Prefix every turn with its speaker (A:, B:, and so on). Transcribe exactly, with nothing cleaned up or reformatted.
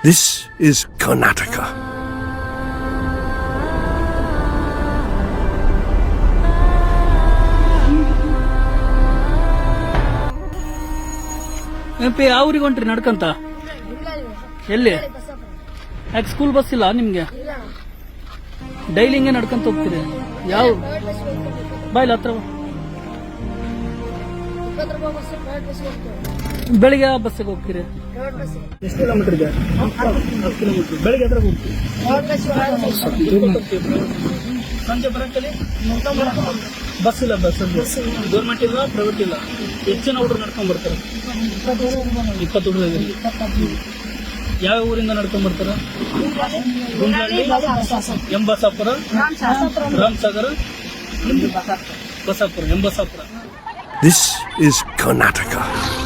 A: This is Karnataka.
B: MP ಯಾವ ಊರಿಗೆ ಹೊಂಟ್ರಿ ನಡ್ಕಂತ? ಎಲ್ಲಿ? ಯಾಕೆ ಸ್ಕೂಲ್ ಬಸ್ ಇಲ್ಲ ನಿಮ್ಗೆ? ಡೈಲಿ ಹಿಂಗೆ ನಡ್ಕಂತ ಹೋಗ್ತೀರಿ? ಯಾವ ಬಾಯ್ಲ ಹತ್ರ ಬೆಳಿಗ್ಗೆ ಯಾವ ಬಸ್ಸಿಗೆ ಹೋಗ್ತೀರಿ? ಎಷ್ಟು ಕಿಲೋಮೀಟರ್ ಇದೆ? ಕಿಲೋಮೀಟರ್. ಬೆಳಿಗ್ಗೆ ಹತ್ರ ಹೋಗ್ತೀವಿ. ಸಂಜೆ ಬರಕ್ಕಲ್ಲಿ ಬಸ್ ಇಲ್ಲ. ಬಸ್ ಗೌರ್ಮೆಂಟ್ ಇಲ್ಲ, ಪ್ರೈವೇಟ್ ಇಲ್ಲ. ಹೆಚ್ಚಿನ ಹುಡುಗರು ನಡ್ಕೊಂಡ್ ಬರ್ತಾರೆ. ಇಪ್ಪತ್ತು ಹುಡುಗರು. ಯಾವ ಊರಿಂದ ನಡ್ಕೊಂಡ್ ಬರ್ತಾರ? Gundlahalli, M Basapura, Ramasagara, Basapura, M Basapura.
A: This is Karnataka.